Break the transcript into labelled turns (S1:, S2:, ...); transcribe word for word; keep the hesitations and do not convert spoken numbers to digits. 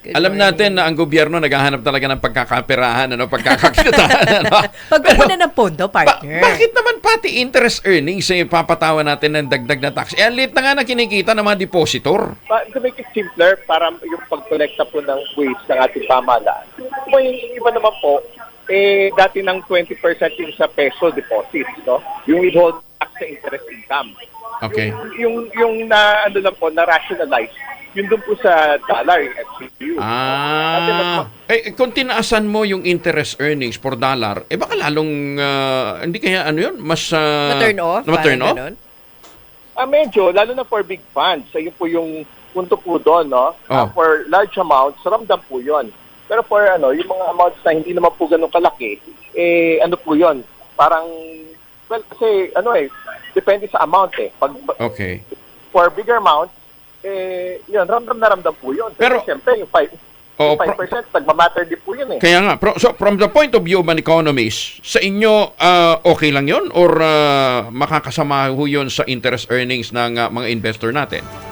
S1: Good
S2: Alam
S1: morning.
S2: natin na ang gobyerno naghahanap talaga ng pagkakaperahan, ano, pagkakakitaan. ano.
S1: Pagkukunan ng pondo,
S2: Ba-
S1: partner.
S2: bakit naman pati interest earnings eh, papatawan natin ng dagdag na tax? Eh, ang liit na nga na kinikita ng mga depositor.
S3: Pa- to make it simpler, para yung pag-collecta po ng waste ng ating pamahalaan. Kung yung iba naman po, eh, dati ng twenty percent yung sa peso deposits, no? Yung withhold tax sa interest income.
S2: Okay.
S3: Yung, yung na, ano lang po, na-rationalize, yun doon po sa dollar, yung F C U.
S2: Ah, eh, kung tinaasan mo yung interest earnings per dollar, eh baka lalong, ah, hindi kaya ano yun, mas... Uh,
S1: Ma-turn off?
S2: Ma-turn
S1: Parang
S2: off?
S1: ganon?
S3: Ah, medyo, lalo na for big funds. Ayun po yung punto po doon, no? Ah,
S2: Oh.
S3: for large amounts, ramdam po yun. Pero for ano, yung mga amounts na hindi naman po ganun kalaki, eh, ano po yun? Parang, well, kasi, ano eh, depende sa amount eh. Pag,
S2: Okay.
S3: for bigger amounts, eh, yun, ramdam na ramdam po yun.
S2: Pero-
S3: Pero, siyempre, yung five,
S2: Oo,
S3: yung five percent, nagmamatter din po yun eh.
S2: Kaya nga, pro- so from the point of view of an economist, sa inyo, ah, okay lang yun? Or ah, makakasama ho yun sa interest earnings ng ah, mga investor natin?